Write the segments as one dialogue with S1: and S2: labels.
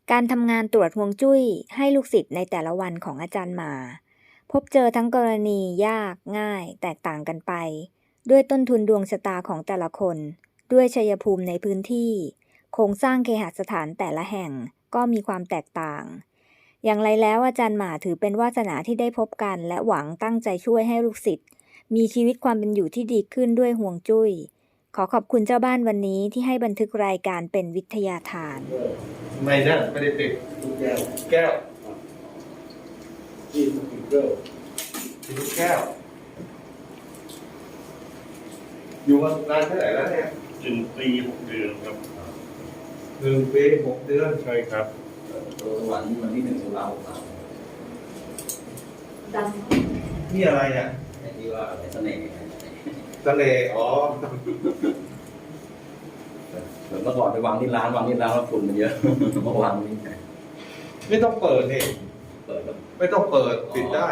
S1: การทำงานตรวจฮวงจุ้ยให้ลูกศิษย์ในแต่ละวันของอาจารย์หมาพบเจอทั้งกรณียากง่ายแตกต่างกันไปด้วยต้นทุนดวงชะตาของแต่ละคนด้วยชัยภูมิในพื้นที่โครงสร้างเคหสถานแต่ละแห่งก็มีความแตกต่างอย่างไรแล้วอาจารย์หมาถือเป็นวาสนาที่ได้พบกันและหวังตั้งใจช่วยให้ลูกศิษย์มีชีวิตความเป็นอยู่ที่ดีขึ้นด้วยฮวงจุ้ยขอขอบคุณเจ้าบ้านวันนี้ที่ให้บันทึกรายการเป็นวิทยาทาน
S2: ไม่นะไม่ได้ติด
S3: ทุกแก้ว
S2: แก้ว
S3: ที่ทุกแก้ว
S2: ติดแก้วอยู่มานานเท่าไหร่แล้วเนี่ย
S4: 1 ปี 6 เดือนครับ
S2: 1 ปี 6 เดือน
S4: ใช่ครับ
S3: ตัวสวรรค์วันที่1 ตุลาคม
S2: นี่อะไรอ่ะ
S3: ไอ้ที่ว่าอะไรเสน่ห์
S2: ทะเลอ๋อ
S3: เหมือนเมื่อก่อนไปวางที่ร้านแล้วฝุ่นมันเยอะเมื่อวางนี่
S2: ไม่ต้องเปิดนี่
S3: เปิดแล้ว
S2: ไม่ต้องเปิดปิดได้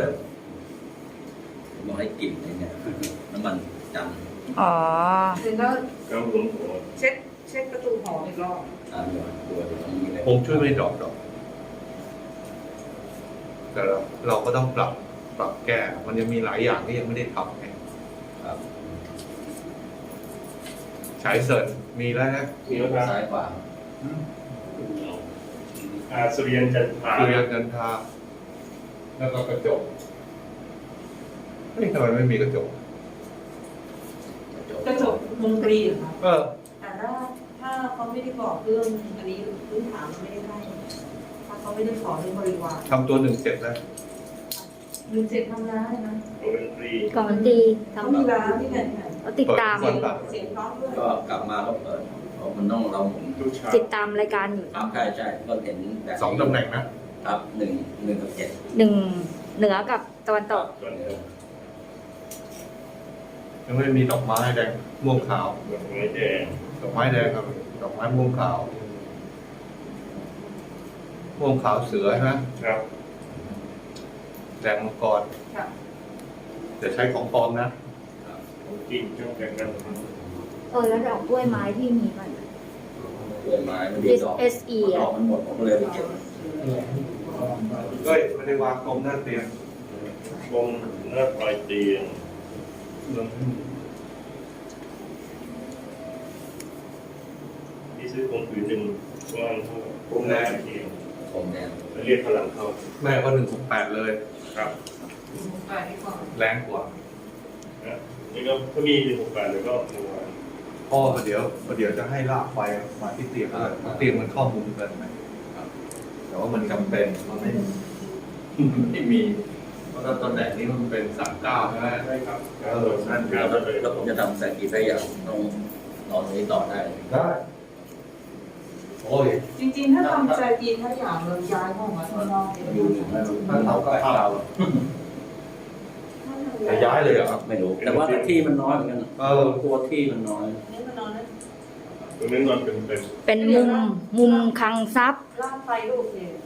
S3: มองให้กลิ่นเนี่ยน้ำมันจัน
S1: อ๋อ
S4: ครับผม
S5: เช็ดประตูหออีกรอบ
S3: ตัวตรงนี้เลย
S2: ผมช่วยไม่ดอกแต่เราก็ต้องปรับแก้มันยังมีหลายอย่างที่ยังไม่ได้ทำไง
S3: ครับ
S2: ฉายเสริญมีแล้วนะ
S4: มีแล้วครับ
S3: ซ้ายขวา
S4: สุริยันจันทรา
S2: แล้วก็กระจกนี่ทำไมไม่มีกระจก
S5: มนตรีเหรอคะ
S2: แต่
S5: ถ้าเขาไม่ได้บอกเรื่องอันนี้พื้นฐานไม่ได้ให้ถ้าเขาไม่ได้สอนเรื่องบริวาร
S2: ทำตัว1 เสร็จแล้ว
S5: 1 7ทำร้านเลยนะ
S1: ก่อนตี
S5: เขามีร้านที่ไหน
S1: ติดตาม
S5: เสียงพร้อมด้วย
S3: ก็กลับมาก็เปิดมันต้องเรา
S1: ติดตามรายการอยู่
S3: ใช่ก็เห็น
S2: 2 ตำแหน่งนะครับ
S3: 1 กับ 7
S1: 1เหนือกับตะวันตก
S2: ยังไม่มีดอกไม้แดงม่วงขาว
S4: ดอกไม้แดง
S2: ครับดอกไม้ม่วงขาวเสือใช่ไหม
S4: ครับ
S2: แดงมังกรจะใช้ของปลอมนะ
S4: จริงช่างแต่งกัน
S1: แล้วดอกกล้วยไม้ที่มีมัน
S3: กล้วยไม้มันดีดอกดอกมันหมดผมก็เลยไปเก็บ
S2: ไม่ได้วางกลมหน้าเตียง
S4: กลมหน้าปลายเตียงที่ซื้อกลมผืนหนึ่งว่างเท่ากลมแดงเรียกพลังเข้า
S2: แม่ก็168เลย
S4: ครับ
S2: แรงกว่า
S4: นี่ก็ถ้ามี168แล้วก็
S2: พ่อเดี๋ยวจะให้ลากไฟมาที่เตียงเตียงมันเข้ามุมกันไหมแต่ว่ามันจำเป็นมันไม่มีเพราะตำแหน่งนี้มันเป็น39ใช่ไหม
S4: ใช่ครับ
S3: นั่นแล้วผมจะทำแสกีได้อย่างต้องนอนนี้ต่อได้
S2: โอ้ย
S5: จริงๆถ้าทำใจกินถ้าอย่างเราย้ายห้องมาข้างนอก
S3: อยู่
S2: ถ้าเราก็เข้าจะย้ายเลยเหรอครับ
S3: ไม่รู้แต่ว่าที่มันน้อยเหมือนกันตัวที่มันน้อย
S5: นี่มันนอนนะ
S4: ตรงนี้นอน
S1: เป็นมุมคลังทรัพย์
S5: ลากไฟลูกเนี่ย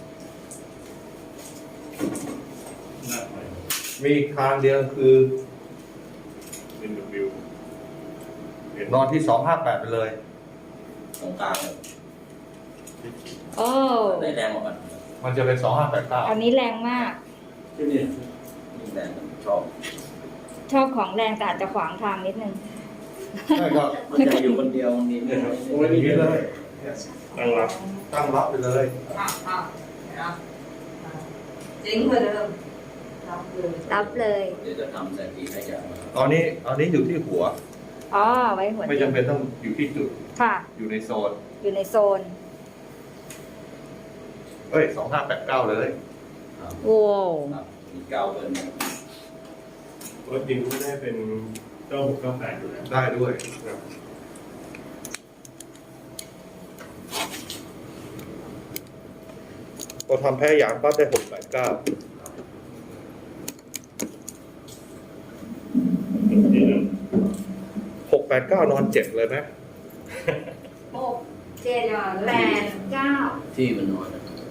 S2: มีทางเดียวคือ
S4: วิวน
S2: อนที่258ไปเลย
S3: ตรงกลางเลยได้แรงกว่า
S2: มันจะเป็น2589
S1: อันนี้แรงมาก
S3: ที่นี่แรง
S1: ชอบของแรงแต่อาจจะขวางทางนิดนึง
S2: ใช่ครับ
S3: มันจะอยู่คนเดียวนี่
S2: ไม่มีเลย
S4: ตั้ง
S2: รับไปเลย
S5: เจ๋งเหมือนเดิม
S1: รับเลย
S3: เดี๋ยวจะทำแสกีให้อย่าง
S2: ตอนนี้อยู่ที่หัว
S1: ไว้หัว
S2: ไม่จำเป็นต้องอยู่ที่จุด
S1: ค่ะ
S2: อยู่ในโซน2589เลย
S1: โอ้
S3: มี9เบอร์
S4: รถจริงก็ได้เป็น9698อยู่แล้ว
S2: ได้ด้วยพอทำแพ้ยางปั๊บได้689 689นอน7เลยไหม
S5: 6 7 8 9
S3: ที่มันน้อย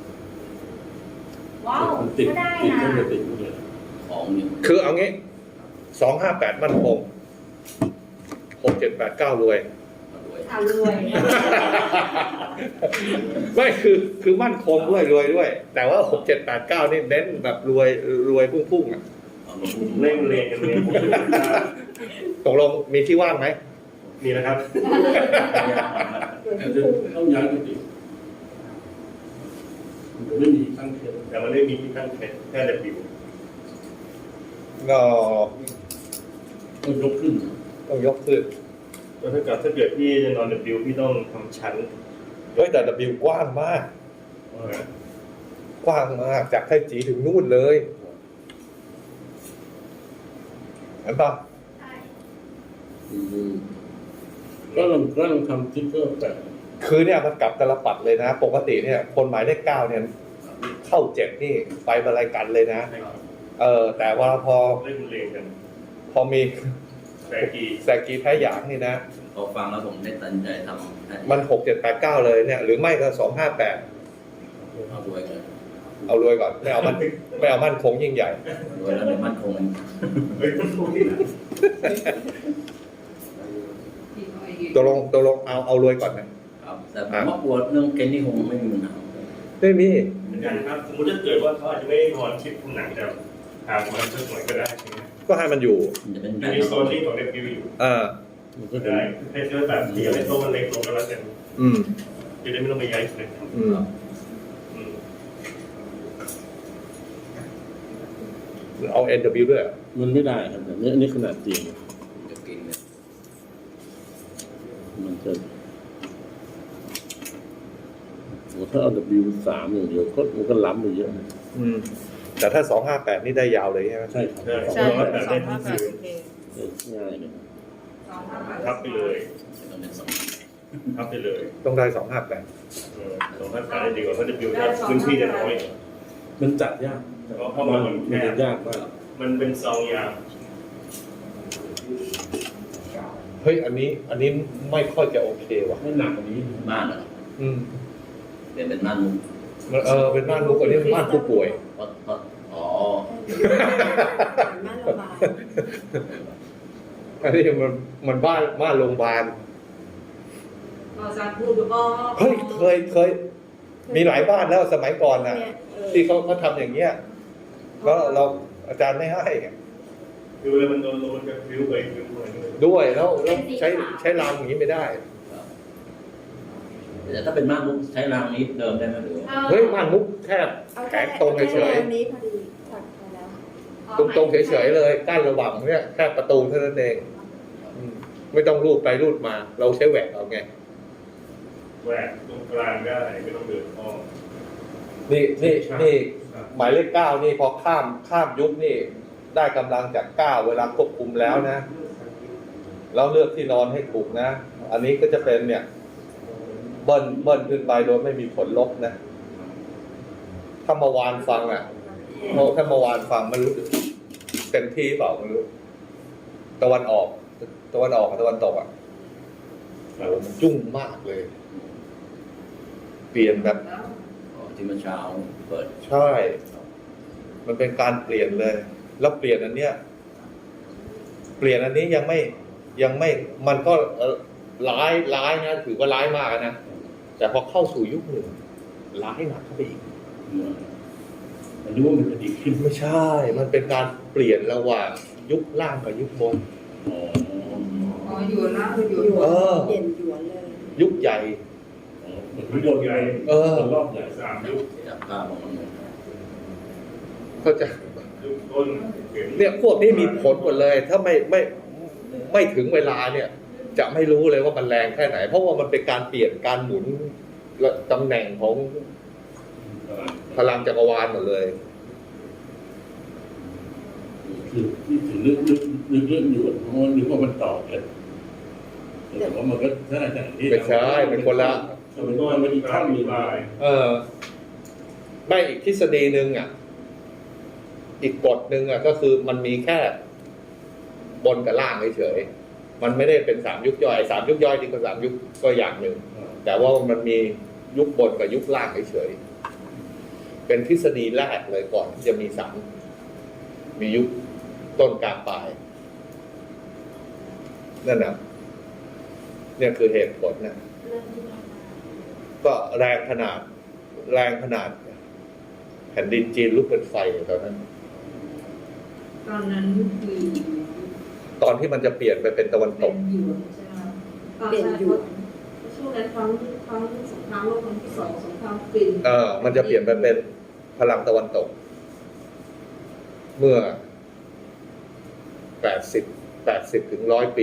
S5: ว้าวก็ได้นะ
S3: ของนี่
S2: คือเอางี้258มั่นคง6 7 8 9รวย
S5: รวย
S2: ไม่คือมั่นคงด้วยรวยด้วย แต่ว่า6 7 8 9นี่เน้นแบบรวยพุ่งๆอ่ะ
S4: เร่งเรียนกันเลยผมจะได้
S2: ตกลงมีที่ว่างไหม
S4: มีนะครับ
S6: ต้องย้ายกุฏิมันไม่มีตั้งเขต
S4: แต่มันไม่มีที่ตั้งแค่แต่บิว
S2: ก็
S6: ต้องยกขึ้น
S2: ต้องยกขึ้น
S4: แล้วถ้าเกิดพี่จะนอนแต่บิวพี่ต้องทำชั้น
S2: เฮ้ยแต่ W กว้างมาก กว้างมากจากไทจีถึงนู่นเลยเห็นปะ
S6: ก็ลองทำติ๊กเกอร์แปะ
S2: คือเนี่ยมันกลับตลปัดเลยนะ ปกติเนี่ยคนหมายเลข 9เนี่ยเข้า7นี่ไปบรรลัยกันเลยนะ แต่ว่าพอ
S4: เล่นเรียนกัน
S2: พอมี
S4: แต่กี
S2: แซกีแพ้หยางนี่นะ
S3: พอฟังแล้วผมได้ตัดใจทำ
S2: มัน6 7 8 9เลยเนี่ยหรือไม่ก็2 5 8
S3: เอารวยกัน
S2: เอารวยก่อนไม่เอามั่นคงยิ่งใหญ่
S3: รวยแล้วในมั่นคงมัน
S4: เฮ้ยมันถูกที่ไหน
S2: ตกลงเอารวยก่อนนะครับ
S3: แต่ผมว่ากลัวเรื่องเกณฑ์นี่คงไม่มีปัญหา
S2: ไม่มี
S4: เหมือนกันครับสมมติถ้าเกิดว่าเขาอาจจะไม่ได้นอนชิดผนังแต่หางมันสักหน่อยก็ได้ใช่ไหม
S2: ก็ให้มันอยู่
S3: มันจะเป็น
S4: อ
S3: แบ
S4: ยู่
S3: บ
S4: ในโซนที่ของเด็กบิวอยู่
S6: มันก็
S4: ได้ให้เชื่อแบบเดียวให้โต๊ะมันเล็กลงก็แล้วกัน
S2: อืม
S4: จะได้ไม่ต้องไปย้ายเลย
S2: อืม เอา NW ด้วย
S6: มันไม่ได้ครับแบบนี้อันนี้ขนาดจริง
S3: จะกินเนี่ย
S6: มันจะถ้าเอา W3 อย่างเดียวก็มันก็ล้ำไปเยอะนะ
S2: อืม แต่ถ้า258นี่ได้ยาวเลยใช่ไหม
S6: ใช่ครับ
S4: ใช่แบบได้ทั้งคืน
S6: ง่ายเลย
S4: ทับไปเลย
S3: ต้องเป็นสอง
S4: ทับไปเลย
S2: ต้องได้258
S4: สองพันแปดดีกว่าเพราะเด็กบิวพื้นที่จะน้อย
S6: มันจัดยาก
S4: เพราะมัน
S6: มันจะยากมาก
S4: มันเป็นซองยา
S2: เฮ้ย อันนี้ไม่ค่อยจะโอเคว่ะ
S6: ให้หนักกว่านี้
S3: บ้านเหรอ
S2: อืม
S3: เปลี่ยนเป็นบ้านมุก
S2: มันเป็นบ้านมุกอันนี้บ้านผู้ป่วย
S3: เพราะอ๋อ
S5: บ้านโรงพยาบาล
S2: อันนี้มันบ้านโรงพยาบาล
S5: อาจารย์พูดก็
S2: เฮ้ยเคยมีหลายบ้านแล้วสมัยก่อนน่ะ ที่เขาทำอย่างเงี้ยแล้วเราอาจารย์ไม่ให้
S4: คือเวลามันโดนมันจะบิวไปบิวไป
S2: ด้วยแล้วใช้รางอย่างนี้ไม่ได้
S3: แต่ถ้าเป็นบ้านมุกใช้รางนี้เดิมได้ไหมหรือ
S2: เฮ้ยบ้านมุกแคบแข็งตรงเฉย
S5: นี้พอดีถัดไปแล้ว
S2: ๆตรงเฉยๆเลยกั้นระหว่างเนี่ยแค่ประตูเท่านั้นเองอืมไม่ต้องรูดไปรูดมา เราใช้แหวกเอาไง
S4: แหวกตรงกลางได้ไม่ต้องเดินอ้อม
S2: นี่หมายเลข 9นี่พอข้ามยุคนี่ได้กำลังจาก 9 เวลาควบคุมแล้วนะแล้วเลือกที่นอนให้ถูกนะ อันนี้ก็จะเป็นเนี่ยเบิ้ลขึ้นไปโดยไม่มีผลลบนะถ้าเมื่อวานฟังถ้าเมื่อวานฟังมันรู้เต็มที่เปล่าไม่รู้ตะวันออกกับตะวันตกโอ้มันยุ่งมากเลย เปลี่ยนแบบ
S3: ที่เมื่อเช้าเปิด
S2: ใช่ มันเป็นการเปลี่ยนเลย แล้วเปลี่ยนอันเนี้ยยังไม่มันก็ร้ายนะถือว่าร้ายมากนะแต่พอเข้าสู่ยุคหนึ่งร้ายหนักเข้าไปอีก
S6: มันรู้ว่ามันจะดีขึ้น
S2: ไม่ใช่ มันเป็นการเปลี่ยนระหว่างยุคล่างกับยุคบน
S5: อ๋ออยู่ล่างอยู่
S2: เปลี่ยน
S5: หยวนเลย
S2: ยุคใหญ่
S6: เหมือนวิดีโอใหญ่รอบใหญ่
S4: 3 ยุค
S3: จับภาพของมัน
S2: ก็จะ
S4: ยุคต้น
S2: เนี่ยพวกนี้มีผลหมดเลย ถ้าไม่ถึงเวลาเนี่ย จะไม่รู้เลยว่ามันแรงแค่ไหน เพราะว่ามันเป็นการเปลี่ยนการหมุนตำแหน่งของพลังจักรวาลหมดเลย
S6: คือที่ถึงลึกอยู่เพราะนึกว่ามันต่อกันแต่ว่ามันก็ใช่แต่ที่
S2: ไม่ใช่เป็นคนละ
S6: มันก็มันอีกขั้นหนึ่ง
S2: ไม่อีกทฤษฎีหนึ่งอีกกฎหนึ่งก็คือมันมีแค่บนกับล่างเฉยๆมันไม่ได้เป็น3 ยุคย่อย3 ยุคย่อยที่ก็3 ยุคก็อย่างหนึ่งแต่ว่ามันมียุคบนกับยุคล่างเฉยๆเป็นทฤษฎีแรกเลยก่อนที่จะมี3มียุคต้นกลางปลายนั่นนะเนี่ยคือเหตุผลนะ
S5: เรื่องที่
S2: ก็แรงขนาดแผ่นดินจีนลุกเป็นไฟตอนนั้น
S5: ตอนนั้นคือ
S2: ตอนที่มันจะเปลี่ยนไปเป็นตะวันต
S5: เป็น
S2: ก
S5: หยวนใช่ไหมครับเปลี่ยนหยวนช่วงนั้นครั้งสงครามโลกครั้งที่สองสงครามฟิน
S2: มันจะเปลี่ยนไปเป็นพลังตะวันตก เมื่อ80 ถึง 100 ปี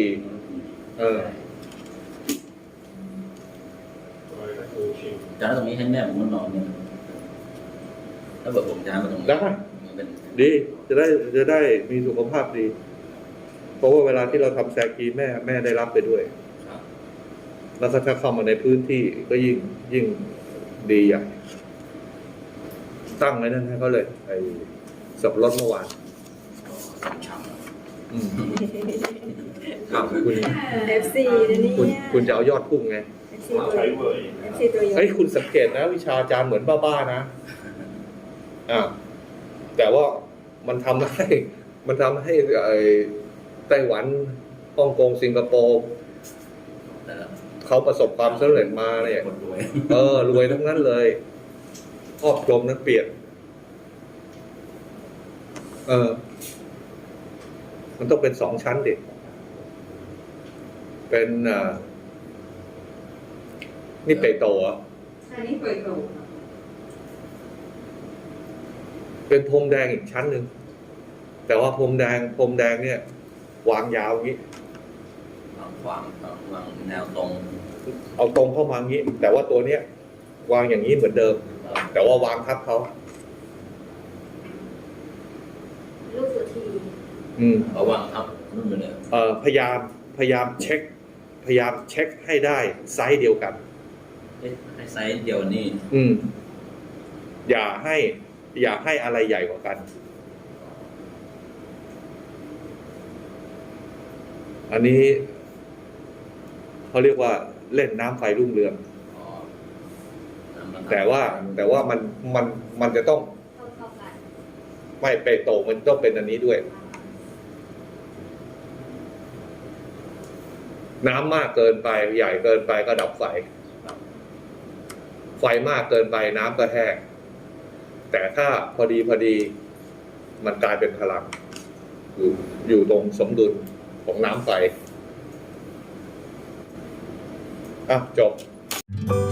S3: จานตรงนี้ให้แม่ผมมานอนเนี่ยถ้าเกิดผมย้ายมาตรงนี้
S2: ได้
S3: มันเป็น
S2: ดีจะได้มีสุขภาพดี เพราะว่าเวลาที่เราทำแซกีแม่ได้รับไปด้วย
S3: ครับ
S2: แล้วถ้าเข้ามาในพื้นที่ก็ยิ่งดีใหญ่ตั้งไว้นั่นให้เขาเลยไอ้สับปะรดเมื่อวาน
S3: ช่ำ
S2: ครับคุณ
S1: FC นะเนี่ย
S2: คุณจะเอายอดพุ่งไง
S1: FC
S4: ว่าใช้เวอร์
S1: FC ตัวยง
S2: เฮ้ยคุณสังเกตนะ วิชาอาจารย์เหมือนบ้าๆนะแต่ว่ามันทำให้ไอ้ไต้หวันฮ่องกงสิงคโปร์
S3: แต่
S2: เขาประสบความสำเร็จมาเนี่ย
S3: คนรวย
S2: รวยทั้งนั้นเลยครอบคลุมนั้นเปลี่ยนมันต้องเป็น2 ชั้นดิเป็นนี่เปโตอ่ะ
S5: อันนี้เปิดโตครับ
S2: เป็นพรมแดงอีกชั้นหนึ่งแต่ว่าพรมแดงเนี่ยวางยาวอย่างนี้
S3: วางแนวตรง
S2: เอาตรงเข้ามาอย่างนี้ แต่ว่าตัวเนี้ยวางอย่างนี้เหมือนเดิม แต่ว่าวางทับเขา
S5: ลูกสุธี
S3: เอาวางทับนู่นไปเลย
S2: พยายามเช็คให้ได้ไซส์เดียวกัน
S3: ให้ไซส์เดียวนี่
S2: อย่าให้อะไรใหญ่กว่ากัน อันนี้เขาเรียกว่าเล่นน้ำไฟรุ่งเรือง แต่ว่ามันจะต้อง
S5: เท่ากัน
S2: ไม่เปโตมันต้องเป็นอันนี้ด้วย น้ำมากเกินไปใหญ่เกินไปก็ดับไฟ ไฟมากเกินไปน้ำก็แห้งแต่ถ้าพอดีมันกลายเป็นพลังอยู่ตรงสมดุลของน้ำไฟจบ